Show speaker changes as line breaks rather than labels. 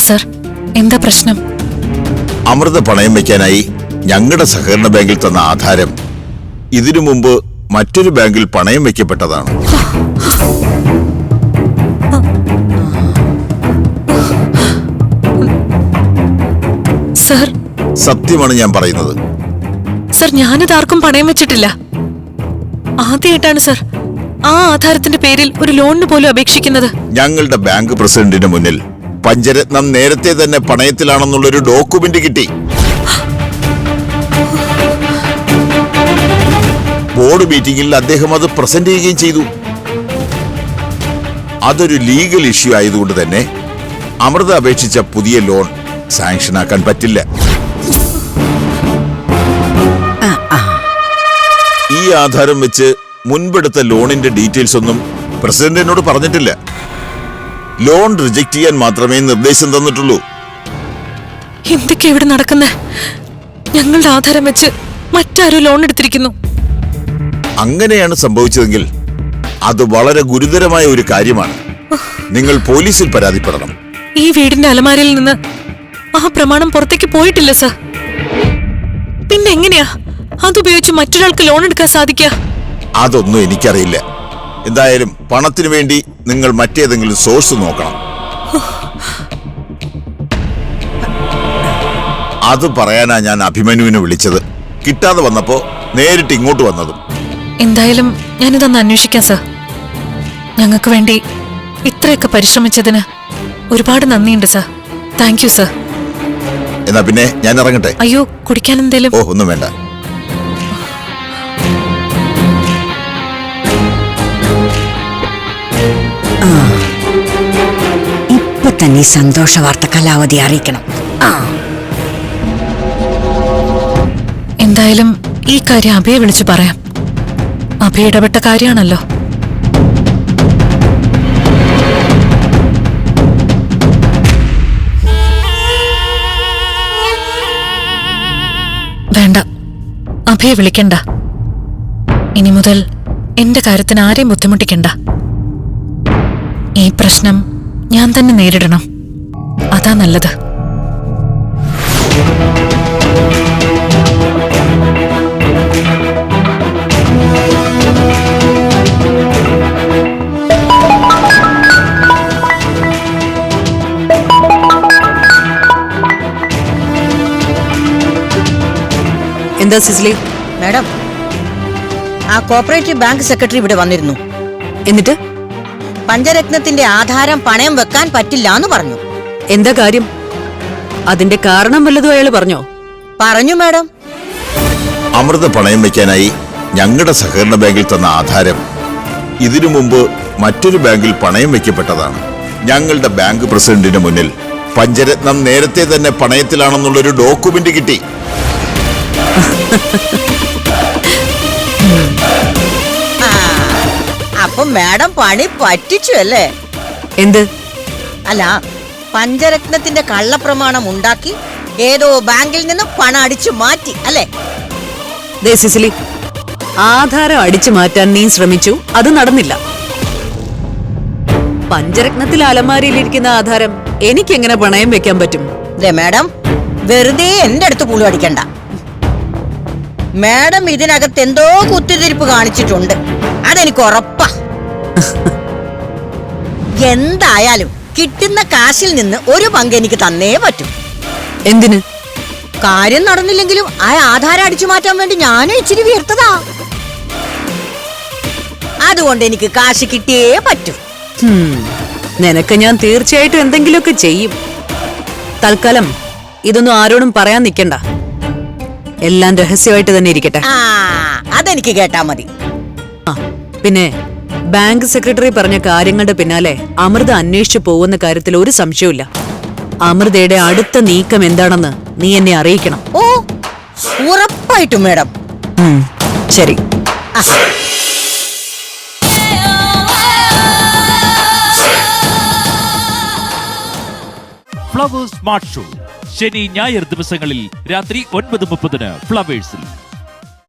Sir, എന്താ പ്രശ്നം?
അമൃത പണയം വെക്കാനായി ഞങ്ങളുടെ സഹകരണ ബാങ്കിൽ തന്ന ആധാരം ഇതിനു മുമ്പ് മറ്റൊരു ബാങ്കിൽ പണയം വെക്കപ്പെട്ടതാണ്.
സർ,
സത്യമാണ് ഞാൻ പറയുന്നത്.
സർ, ഞാനിത് ആർക്കും പണയം വെച്ചിട്ടില്ല. ആദ്യമായിട്ടാണ് സർ ആ ആധാരത്തിന്റെ പേരിൽ ഒരു ലോണിന് പോലും അപേക്ഷിക്കുന്നത്.
ഞങ്ങളുടെ ബാങ്ക് പ്രസിഡന്റിന് മുന്നിൽ പഞ്ചരത്നം നേരത്തെ തന്നെ പണയത്തിലാണെന്നുള്ളൊരു ഡോക്യുമെന്റ് കിട്ടി. ബോർഡ് മീറ്റിംഗിൽ അദ്ദേഹം അത് പ്രസന്റ് ചെയ്യുകയും ചെയ്തു. അതൊരു ലീഗൽ ഇഷ്യൂ ആയതുകൊണ്ട് തന്നെ അമൃത അപേക്ഷിച്ച പുതിയ ലോൺ സാങ്ഷൻ ആക്കാൻ പറ്റില്ല. ഈ ആധാരം വെച്ച് മുൻപെടുത്ത ലോണിന്റെ ഡീറ്റെയിൽസ് ഒന്നും പ്രസിഡന്റിനോട് പറഞ്ഞിട്ടില്ല. ലോൺ റിജക്ട് ചെയ്യാൻ മാത്രമേ നിർദ്ദേശം തന്നിട്ടുള്ളൂ.
എന്തൊക്കെ ഇവിടെ നടക്കുന്നേ? ഞങ്ങളുടെ ആധാരം വെച്ച് മറ്റാരും ലോൺ എടുത്തിരിക്കുന്നു.
അങ്ങനെയാണ് സംഭവിച്ചതെങ്കിൽ അത് വളരെ ഗുരുതരമായ ഒരു കാര്യമാണ്. നിങ്ങൾ പോലീസിൽ പരാതിപ്പെടണം.
ഈ വീടിന്റെ അലമാരയിൽ നിന്ന് ആ പ്രമാണം പുറത്തേക്ക് പോയിട്ടില്ല സർ. പിന്നെ എങ്ങനെയാ അതുപയോഗിച്ച് മറ്റൊരാൾക്ക് ലോൺ എടുക്കാൻ സാധിക്കുക?
അതൊന്നും എനിക്കറിയില്ല. എന്തായാലും പണത്തിന് വേണ്ടി നിങ്ങൾ മറ്റേതെങ്കിലും സോഴ്സ് നോക്കണം. അത് പറയാനാ ഞാൻ അഭിമന്യുവിനെ വിളിച്ചത്. കിട്ടാതെ വന്നപ്പോ നേരിട്ട് ഇങ്ങോട്ട് വന്നതും.
എന്തായാലും ഞാനിതൊന്ന് അന്വേഷിക്കാം സർ. ഞങ്ങൾക്ക് വേണ്ടി ഇത്രയൊക്കെ പരിശ്രമിച്ചതിന് ഒരുപാട് നന്ദിയുണ്ട് സർ. Thank you sir.
എന്നാ പിന്നെ ഞാൻ ഇറങ്ങട്ടെ.
അയ്യോ, കുടിക്കാൻ എന്തേലും?
ഓ, ഒന്നും വേണ്ട.
ഇപ്പൊ തന്നെ സന്തോഷ വാർത്ത കലാവധി അറിയിക്കണം.
എന്തായാലും ഈ കാര്യം അഭയെ വിളിച്ചു പറയാം. അഭയ ഇടപെട്ട കാര്യമാണല്ലോ. വേണ്ട, അഭയെ വിളിക്കണ്ട. ഇനി മുതൽ എന്റെ കാര്യത്തിന് ആരെയും ബുദ്ധിമുട്ടിക്കണ്ട. ഈ പ്രശ്നം ഞാൻ തന്നെ നേരിടണം. അതാ നല്ലത്.
എന്താ സിസിലി?
മാഡം, ആ കോപ്പറേറ്റീവ് ബാങ്ക് സെക്രട്ടറി ഇവിടെ വന്നിരുന്നു.
എന്നിട്ട്
പഞ്ചരത്നത്തിന്റെ ആധാരം പണയം വെക്കാൻ പറ്റില്ല എന്ന് പറഞ്ഞു.
എന്താ കാര്യം? അതിന്റെ കാരണം വല്ലതും അയാൾ പറഞ്ഞോ?
പറഞ്ഞു മാഡം.
അമൃത പണയം വെക്കാനായി ഞങ്ങളുടെ സഹകരണ ബാങ്കിൽ തന്ന ആധാരം ഇതിനു മുമ്പ് മറ്റൊരു ബാങ്കിൽ പണയം വെക്കപ്പെട്ടതാണ്. ഞങ്ങളുടെ ബാങ്ക് പ്രസിഡന്റിന് മുന്നിൽ പഞ്ചരത്നം നേരത്തെ തന്നെ പണയത്തിലാണെന്നുള്ളൊരു ഡോക്യുമെന്റ് കിട്ടി.
അപ്പൊ മാഡം പണി പറ്റിച്ചു അല്ലേ?
എന്ത്?
അല്ല, പഞ്ചരത്നത്തിന്റെ കള്ളപ്രമാണം ഉണ്ടാക്കി ഏതോ ബാങ്കിൽ നിന്ന് പണം അടിച്ചു മാറ്റി അല്ലേ?
ദേ സിസിലി, ആധാരം അടിച്ചു മാറ്റാൻ നീ ശ്രമിച്ചു, അത് നടന്നില്ല. പഞ്ചരത്നത്തിൽ അലമാരിയിലിരിക്കുന്ന ആധാരം എനിക്കെങ്ങനെ പണയം വെക്കാൻ പറ്റും?
മാഡം, വെറുതെ എന്റെ അടുത്ത് പുളു അടിക്കണ്ട. മാഡം ഇതിനകത്ത് എന്തോ കുത്തിരിപ്പ് കാണിച്ചിട്ടുണ്ട്. അതെനിക്ക് ഉറപ്പാ. എന്തായാലും കിട്ടുന്ന കാശിൽ നിന്ന് ഒരു പങ്ക് എനിക്ക് തന്നേ പറ്റും.
എന്തിന്?
കാര്യം നടന്നില്ലെങ്കിലും ആ ആധാരം അടിച്ചു മാറ്റാൻ വേണ്ടി ഞാനും ഇച്ചിരി വീർത്തതാ. അതുകൊണ്ട് എനിക്ക് കാശ് കിട്ടിയേ പറ്റൂ.
നിനക്ക് ഞാൻ തീർച്ചയായിട്ടും എന്തെങ്കിലുമൊക്കെ ചെയ്യും. തൽക്കാലം ഇതൊന്നും ആരോടും പറയാൻ നിൽക്കണ്ട. എല്ലാം രഹസ്യമായിട്ട് തന്നെ ഇരിക്കട്ടെ.
അതെനിക്ക് കേട്ടാ മതി.
പിന്നെ ബാങ്ക് സെക്രട്ടറി പറഞ്ഞ കാര്യങ്ങളുടെ പിന്നാലെ അമൃത അന്വേഷിച്ചു പോകുന്ന കാര്യത്തിൽ ഒരു സംശയമില്ല. അമൃതയുടെ അടുത്ത നീക്കം എന്താണെന്ന് നീ എന്നെ അറിയിക്കണം.
ഓ, ഉറപ്പായിട്ടും മാഡം.
ശരി.
ഫ്ലവേഴ്സ് സ്മാർട്ട് ഷോ ശനി ഞായർ ദിവസങ്ങളിൽ രാത്രി 9:30 ഫ്ലവേഴ്സിൽ.